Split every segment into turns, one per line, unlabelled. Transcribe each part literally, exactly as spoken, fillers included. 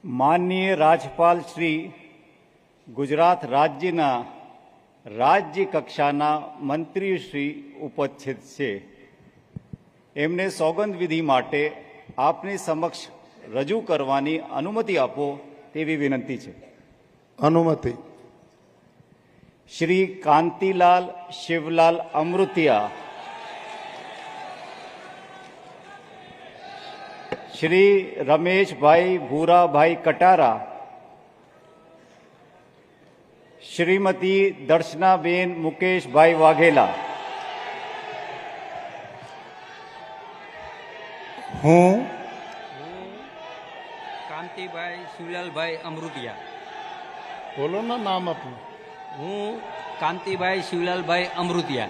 माननीय राज्यपाल श्री गुजरात राज्यना राज्य कक्षाना मंत्री श्री उपस्थित छे। एमने सौगंध विधि माटे आपनी समक्ष रजू करवानी अनुमति आपो तेवी विनंती छे।
अनुमति।
श्री कांतिलाल शिवलाल अमृतिया, श्री रमेश भाई भूरा भाई कटारा, श्रीमती दर्शनाबेन मुकेश भाई वाघेला।
हूँ
कांति भाई शिवलाल भाई अमृतिया।
बोलो ना नाम अपना।
हूँ कांति भाई शिवलाल भाई अमृतिया।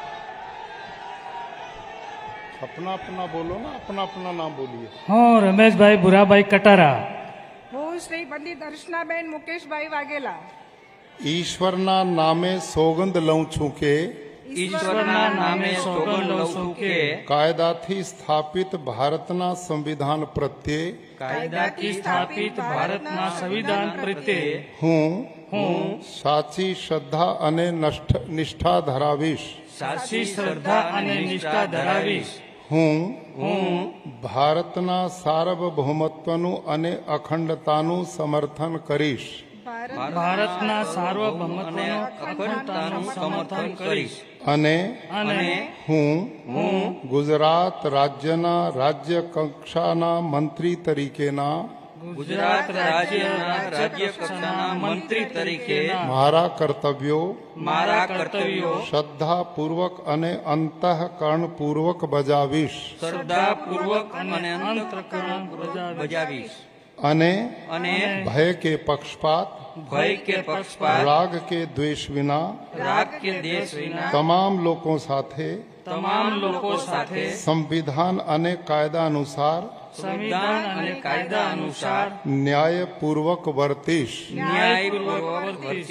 अपना अपना बोलो ना, अपना अपना नाम बोलिए।
हाँ, रमेश भाई भूरा भाई कटारा।
હું શ્રી પંડિત દર્શનાબેન મુકેશભાઈ વાઘેલા
ઈશ્વરના નામે સોગંદ લઉં છું કે
ઈશ્વરના નામે સોગંદ લઉં છું કે
કાયદાથી સ્થાપિત ભારતના સંવિધાન પ્રત્યે
કાયદાથી સ્થાપિત ભારતના સંવિધાન પ્રત્યે
હું
હું
સાચી શ્રદ્ધા અને નષ્ઠ- નિષ્ઠા ધરાવીશ।
સાચી શ્રદ્ધા અને નિષ્ઠા ધરાવીશ।
હું
હું
ભારતના સાર્વભૌમત્વનું અને અખંડતાનું સમર્થન કરીશ।
ભારતના સાર્વભૌમત્વનું અખંડતાનું સમર્થન કરીશ
અને
અને
હું
હું
ગુજરાત રાજ્યના રાજ્ય કક્ષાના મંત્રી તરીકેના
ગુજરાત રાજ્યના રાજ્ય કક્ષાના મંત્રી તરીકે
મારા કર્તવ્યો
મારા કર્તવ્યો
શ્રદ્ધાપૂર્વક અને અંતઃકરણપૂર્વક બજાવીશ
શ્રદ્ધાપૂર્વક અને અંતઃકરણ
બજાવીશ
અને
અને
ભય કે પક્ષપાત
ભય કે પક્ષપાત
રાગ કે દ્વેષ વિના
રાગ કે દેશ વિના
તમામ લોકો સાથે
તમામ લોકો સાથે
સંવિધાન અને કાયદા અનુસાર
સંવિધાન અને કાયદા અનુસાર
ન્યાયપૂર્વક વર્તીશ।
ન્યાયપૂર્વક વર્તીશ।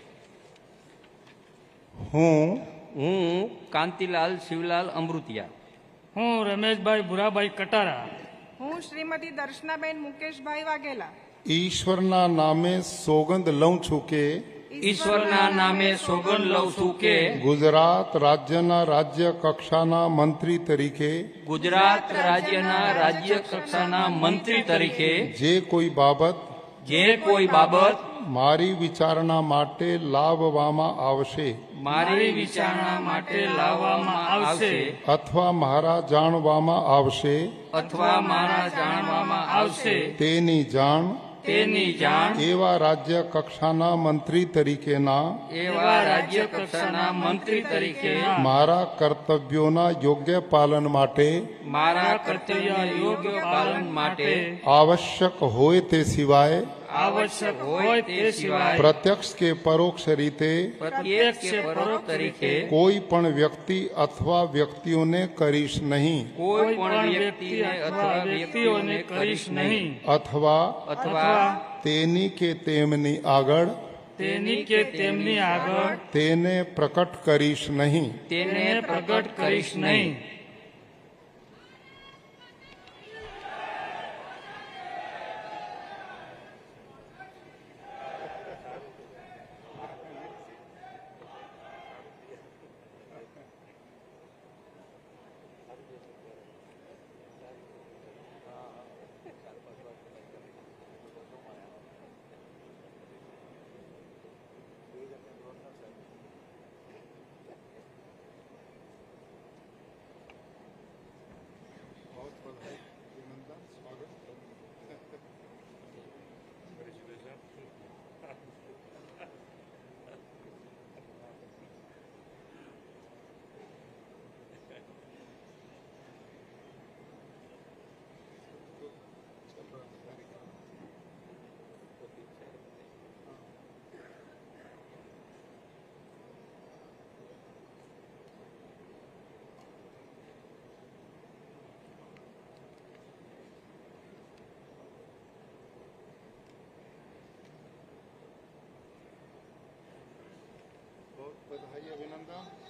હું
હું કાંતિલાલ શિવલાલ અમૃતિયા।
હું રમેશભાઈ ભૂરાભાઈ કટારા
હું શ્રીમતી દર્શનાબેન મુકેશભાઈ વાઘેલા
ઈશ્વરના નામે સોગંદ લઉં છું કે
ઈશ્વરના નામે સોગંદ લઉં છું કે
ગુજરાત રાજ્યના રાજ્ય કક્ષાના મંત્રી તરીકે
ગુજરાત રાજ્યના રાજ્ય કક્ષાના મંત્રી તરીકે
જે કોઈ બાબત
જે કોઈ બાબત
મારી વિચારણા માટે લાવવામાં આવશે
મારી વિચારણા માટે લાવવામાં આવશે
અથવા મારા જાણવામાં આવશે
અથવા મારા જાણવામાં આવશે
તેની જાણ
તેની જાણ
એવા રાજ્ય કક્ષાના મંત્રી તરીકેના
એવા રાજ્ય કક્ષાના મંત્રી તરીકે
મારા કર્તવ્યોના યોગ્ય પાલન માટે
મારા કર્તવ્ય યોગ્ય પાલન માટે
આવશ્યક હોય તે સિવાય
આવશ્યક હોય તે સિવાય
પ્રત્યક્ષ કે પરોક્ષ રીતે
પ્રત્યક્ષ કે પરોક્ષ તરીકે
કોઈ પણ વ્યક્તિ અથવા વ્યક્તિઓને કરીશ નહીં
કોઈ પણ વ્યક્તિને અથવા વ્યક્તિઓને કરીશ નહીં
અથવા
અથવા
તેની કે તેમની આગળ
તેની કે તેમની આગળ
તેને પ્રકટ કરીશ નહીં।
તેને પ્રગટ કરીશ નહીં।
बधाई अभिनंदन।